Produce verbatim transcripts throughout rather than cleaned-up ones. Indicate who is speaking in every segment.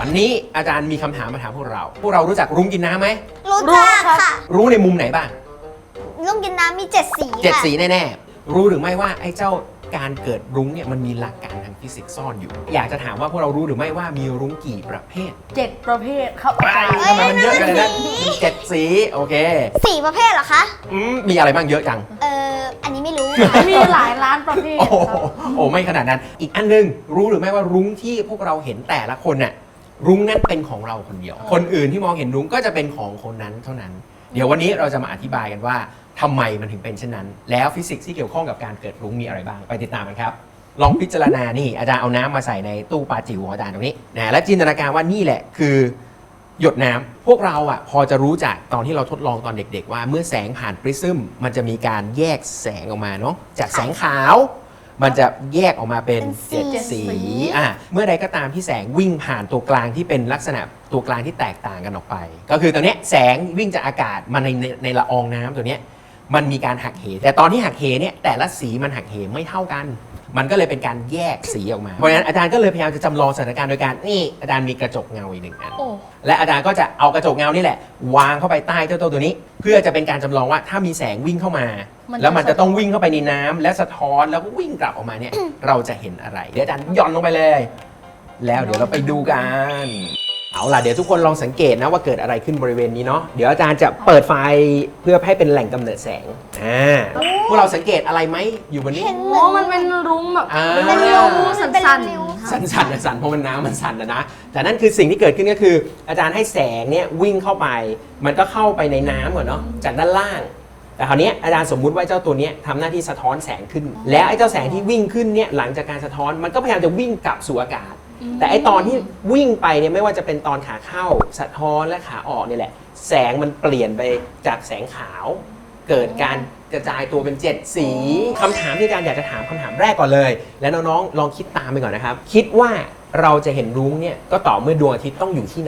Speaker 1: วันนี้อาจารย์มีคำถามมาถามพวกเรา พวกเรารู้จักรุ้งกินน้ำไหม
Speaker 2: รู้จักค่ะ
Speaker 1: รู้ในมุมไหนบ้าง
Speaker 2: ลุงกินน้ำมีเจ็ดสี
Speaker 1: เจ็ด
Speaker 2: ค่ะ
Speaker 1: สีแน่ๆรู้หรือไม่ว่าไอ้เจ้าการเกิดรุ้งเนี่ยมันมีหลักการทางฟิสิกส์ซ่อนอยู่ อยากจะถามว่าพวกเรารู้หรือไม่ว่ามีรุ้งกี่ประเภท
Speaker 3: เจ็ดประเภทครับ
Speaker 1: ไปทำไมมันเยอะกันเลยนะมีเจ็ดสีโอเค
Speaker 2: สีประเภทเหรอคะ
Speaker 1: อืมมีอะไรบ้างเยอะจัง
Speaker 2: เอออันนี้ไม่รู้
Speaker 3: มีหลายล้านประเภท
Speaker 1: โอ้โห
Speaker 3: ครับ
Speaker 1: โอ้ไม่ขนาดนั้น อีกอันนึงรู้หรือไม่ว่ารุ้งที่พวกเราเห็นแต่ละคนน่ะรุ้งนั้นเป็นของเราคนเดียว คนอื่นที่มองเห็นรุ้งก็จะเป็นของคนนั้นเท่านั้น เดี๋ยววันนี้เราจะมาอธิบายกันว่าทำไมมันถึงเป็นเช่นนั้น แล้วฟิสิกส์ที่เกี่ยวข้องกับการเกิดรุ้งมีอะไรบ้างไปติดตามกันครับลองพิจารณานี่อาจารย์เอาน้ำมาใส่ในตู้ปลาจิ๋วของอาจารย์ตรงนี้นะและจินตนาการว่านี่แหละคือหยดน้ำพวกเราอ่ะพอจะรู้จากตอนที่เราทดลองตอนเด็กๆว่าเมื่อแสงผ่านปริซึมมันจะมีการแยกแสงออกมาเนาะจากแสงขาวมันจะแยกออกมาเป็นเจ็ดสีอ่ะเมื่อใดก็ตามที่แสงวิ่งผ่านตัวกลางที่เป็นลักษณะตัวกลางที่แตกต่างกันออกไป ก็คือตอนนี้แสงวิ่งจากอากาศมาในในในละอองน้ำตัวนี้มันมีการหักเหแต่ตอนที่หักเหเนี่ยแต่ละสีมันหักเหไม่เท่ากันมันก็เลยเป็นการแยกสีออกมา เพราะฉะนั้นอาจารย์ก็เลยพยายามจะจำลองสถานการณ์โดยการนี่อาจารย์มีกระจกเงาอีกหนึ่งอัน
Speaker 3: โอ้
Speaker 1: และอาจารย์ก็จะเอากระจกเงานี่แหละวางเข้าไปใต้เจ้าตัวนี้ เพื่อจะเป็นการจำลองว่าถ้ามีแสงวิ่งเข้ามา แล้วมันจะต้องวิ่งเข้าไปในน้ำและสะท้อนแล้วก็วิ่งกลับออกมาเนี่ย เราจะเห็นอะไรเดี๋ยวอาจารย์หย่อนลงไปเลย แล้วเดี๋ยวเราไปดูกันเอาล่ะเดี๋ยวทุกคนลองสังเกตนะว่าเกิดอะไรขึ้นบริเวณนี้เนาะเดี๋ยวอาจารย์จะเปิดไฟเพื่อให้เป็นแหล่งกำเนิดแสงอ่าพวกเราสังเกตอะไรไหมอยู่บนนี้
Speaker 2: เห็นเห
Speaker 3: โอ้
Speaker 2: มือน
Speaker 3: มันเป็นรุ้งแบบ
Speaker 1: อ่า
Speaker 3: เป็นริ้วสั
Speaker 2: เป็น
Speaker 3: ้น
Speaker 2: ริ้ว
Speaker 3: ๆ
Speaker 1: สั่นสั่นๆสั่นเพราะมันน้ำมันสั่นนะนะแต่นั่นคือสิ่งที่เกิดขึ้นก็คือ อาจารย์ให้แสงเนี่ยวิ่งเข้าไป มันก็เข้าไปในน้ำก่อนเนาะจากด้านล่าง แต่คราวนี้อาจารย์สมมุติว่าเจ้าตัวเนี้ยทำหน้าที่สะท้อนแสงขึ้น แล้วไอ้เจ้าแสงที่วิ่งขึ้นเนี่ยหลังจากการสะท้อนมันก็พยายามจะวิ่งกลับสู่อากาศ แต่ไอ้ตอนที่วิ่งไปเนี่ยไม่ว่าจะเป็นตอนขาเข้าสะท้อนและขาออกเนี่ยแหละ แสงมันเปลี่ยนไปจากแสงขาว เกิดการกระจายตัวเป็นเจ็ดสีคำถามที่อาจารย์อยากจะถามคำถามแรกก่อนเลย แล้วน้องๆลองคิดตามไปก่อนนะครับ คิดว่าเราจะเห็นรุ้งเนี่ยก็ต่อเมื่อดวงอาทิตย์ต้องอยู่ที่ไหน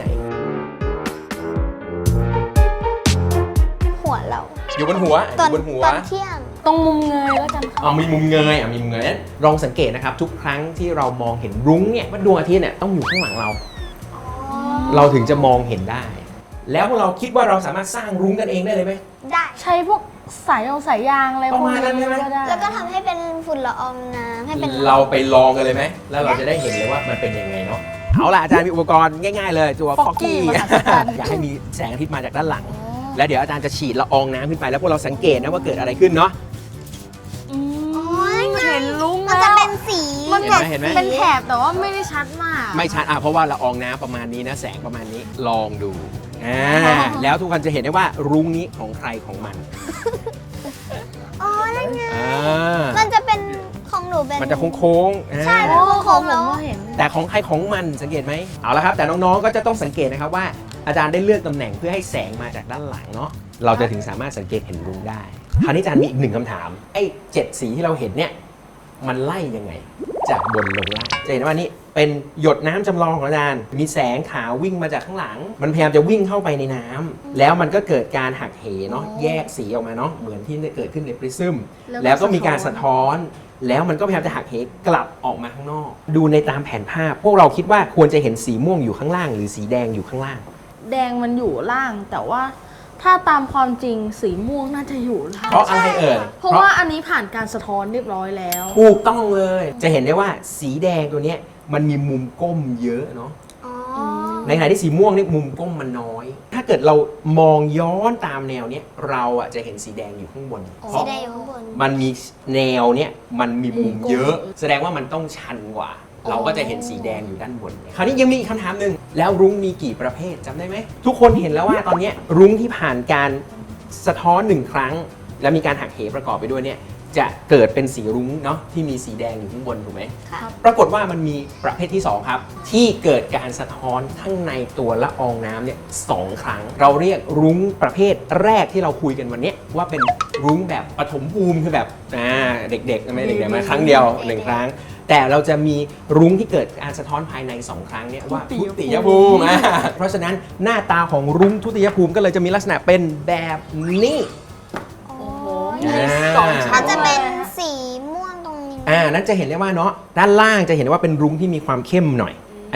Speaker 2: หัวเรา
Speaker 1: อยู่บนหัวอ
Speaker 2: ตอน
Speaker 1: ยู่บนหัว
Speaker 2: ตอนเที่ยง
Speaker 3: ตรงมุมเงยแล้วกันครับ
Speaker 1: เอามีมุมเงยอ่ะมีมุมเงยนั้นลองสังเกตนะครับทุกครั้งที่เรามองเห็นรุ้งเนี่ยว่าดวงอาทิตย์เนี่ยต้องอยู่ข้างหลังเรา เราถึงจะมองเห็นได้ แล้วพวกเราคิดว่าเราสามารถสร้างรุ้งกันเองได้เลยไหม
Speaker 2: ได้
Speaker 3: ใช้พวกสายยางสายยางอะไร
Speaker 1: ประมาณนั้นใช่ไหม
Speaker 3: ก็ได้
Speaker 2: แล้วก็ทำให้เป็นฝุ่นละอองน้ำให้เป็น
Speaker 1: เราไปลองกันเลยไหมแล้วเราจะได้เห็นเลยว่ามันเป็นยังไงเนาะเอาล่ะอาจารย์มีอุปกรณ์ง่ายๆเลยตัวฟอกกี้ อยากให้มีแสงอาทิตย์มาจากด้านหลัง แล้วเดี๋ยวอาจารย์จะฉีดละอองน้ำขึ้นไปแล้วพวกเราสังเกตนะว่าเกิดอะไรขึ้นเนาะ
Speaker 3: อืม
Speaker 2: โอ้ย
Speaker 3: เห็นรุ้ง
Speaker 2: มัน
Speaker 3: แล้
Speaker 2: จะ
Speaker 3: ว
Speaker 2: เป็นสี
Speaker 3: มัน
Speaker 1: เห็น
Speaker 3: แบบ
Speaker 1: ไหมเห็นไหม
Speaker 3: เป็นแถบแต่ว่าไม่ได้ชัดมาก
Speaker 1: ไม่ชัดอ่ะเพราะว่าละอองน้ำประมาณนี้นะแสงประมาณนี้ลองดูอ่าแล้วทุกคนจะเห็นได้ว่ารุ้งนี้ของใครของมัน
Speaker 2: อ๋อนั่นไง
Speaker 1: อ่า
Speaker 2: มันจะเป็นของหนูเป็น
Speaker 1: มันจะโค้งๆอ่า
Speaker 2: ใช่
Speaker 3: โอ้ของผมก็เห็น
Speaker 1: แต่ของใครของมันสังเกตไหมเอาละครับแต่น้องๆก็จะต้องสังเกตนะครับว่าอาจารย์ได้เลือกตำแหน่งเพื่อให้แสงมาจากด้านหลังเนาะเราจะถึงสามารถสังเกตเห็นรุ้งได้คราวนี้อาจารย์มีอีกหนึ่งคำถามไอ้เจ็ดสีที่เราเห็นเนี่ยมันไล่ยังไงจากบนลงล่างจะเห็นว่านี่เป็นหยดน้ำจำลองของอาจารย์มีแสงขาววิ่งมาจากข้างหลัง มันพยายามจะวิ่งเข้าไปในน้ำแล้วมันก็เกิดการหักเหเนาะแยกสีออกมาเนาะเหมือนที่เกิดขึ้นในปริซึม
Speaker 3: แล้วก็
Speaker 1: แล้วก็มีการสะท้อน แล้วมันก็พยายามจะหักเหกลับออกมาข้างนอก ดูในตามแผนภาพ พวกเราคิดว่าควรจะเห็นสีม่วงอยู่ข้างล่างหรือสีแดงอยู่ข้างล่าง
Speaker 3: แดงมันอยู่ล่างแต่ว่าถ้าตามความจริงสีม่วงน่าจะอยู่ล่าง
Speaker 1: เพราะอะไรเอ่ย
Speaker 3: เพราะว่าอันนี้ผ่านการสะท้อนเรียบร้อยแล้ว
Speaker 1: ถูกต้องเลย จะเห็นได้ว่าสีแดงตัวเนี้ยมันมีมุมก้มเยอะเนาะ
Speaker 2: อ๋อ
Speaker 1: ในขณะที่สีม่วงนี่มุมก้มมันน้อย ถ้าเกิดเรามองย้อนตามแนวเนี้ยเราอ่ะจะเห็นสีแดงอยู่ข้างบนเพ
Speaker 2: สี
Speaker 1: ราะ
Speaker 2: แดงอยู่ข้างบน
Speaker 1: มันมีแนวเนี้ยมันมีมุมเยอะ แสดงว่ามันต้องชันกว่า เราก็จะเห็นสีแดงอยู่ด้านบน คราวนี้ยังมีอีกคำถามหนึ่งแล้วรุ้งมีกี่ประเภทจำได้ไหมทุกคนเห็นแล้วว่าตอนเนี้ยรุ้งที่ผ่านการสะท้อนหนึ่งครั้ง แล้วมีการหักเหประกอบไปด้วยเนี่ยจะเกิดเป็นสีรุ้งเนาะที่มีสีแดงอยู่ข้างบนถูกไหม
Speaker 2: ค่ะ
Speaker 1: ปรากฏว่ามันมีประเภทที่สองครับที่เกิดการสะท้อนข้างในตัวละอองน้ำเนี่ยสองครั้ง เราเรียกรุ้งประเภทแรกที่เราคุยกันวันนี้ว่าเป็นรุ้งแบบปฐมภูมิคือแบบอ่าเด็กๆไม่เด็กๆมาครั้งเดียวหนึ่งครั้ง แต่เราจะมีรุ้งที่เกิดการสะท้อนภายในสองครั้งเนี่ยว่าทุติยภูมิอ่าเพราะฉะนั้นหน้าตาของรุ้งทุติยภูมิก็เลยจะมีลักษณะเป็นแบบนี้
Speaker 2: โอ้
Speaker 3: มีสองชั้
Speaker 2: มัน นจะเป็นสีม่วงตรงนี้
Speaker 1: อ่านั้นจะเห็นได้ว่าเนาะด้านล่างจะเห็นได้ว่าเป็นรุ้งที่มีความเข้มหน่อย อันเนี้ย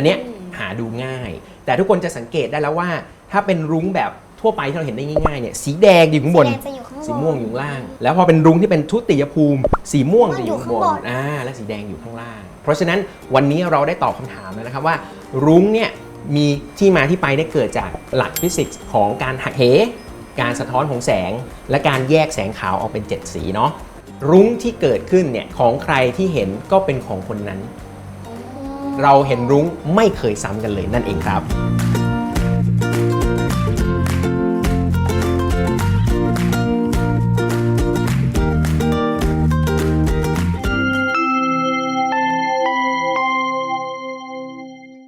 Speaker 1: หาดูง่าย แต่ทุกคนจะสังเกตได้แล้วว่าถ้าเป็นรุ้งแบบทั่วไปที่เราเห็นได้ง่ายๆเนี่ยสีแดงอยู่ข้างบน
Speaker 2: สีแดงจะอยู่ข้างบน
Speaker 1: สีม่วงอยู่ข้างล่าง แล้วพอเป็นรุ้งที่เป็นทุติยภูมิ สีม่วงจะอยู่ข้างบ
Speaker 2: อยู่ข้างบ
Speaker 1: น
Speaker 2: น
Speaker 1: อ่าและสีแดงอยู่ข้างล่าง เพราะฉะนั้นวันนี้เราได้ตอบคำถามแล้วนะครับว่า รุ้งเนี่ยมีที่มาที่ไปได้เกิดจากหลักฟิสิกส์ของการหักเหการสะท้อนของแสง และการแยกแสงขาวออกเป็นเจ็ดสีเนาะรุ้งที่เกิดขึ้นเนี่ยของใครที่เห็นก็เป็นของคนนั้น เราเห็นรุ้งไม่เคยซ้ำกันเลยนั่นเองครับ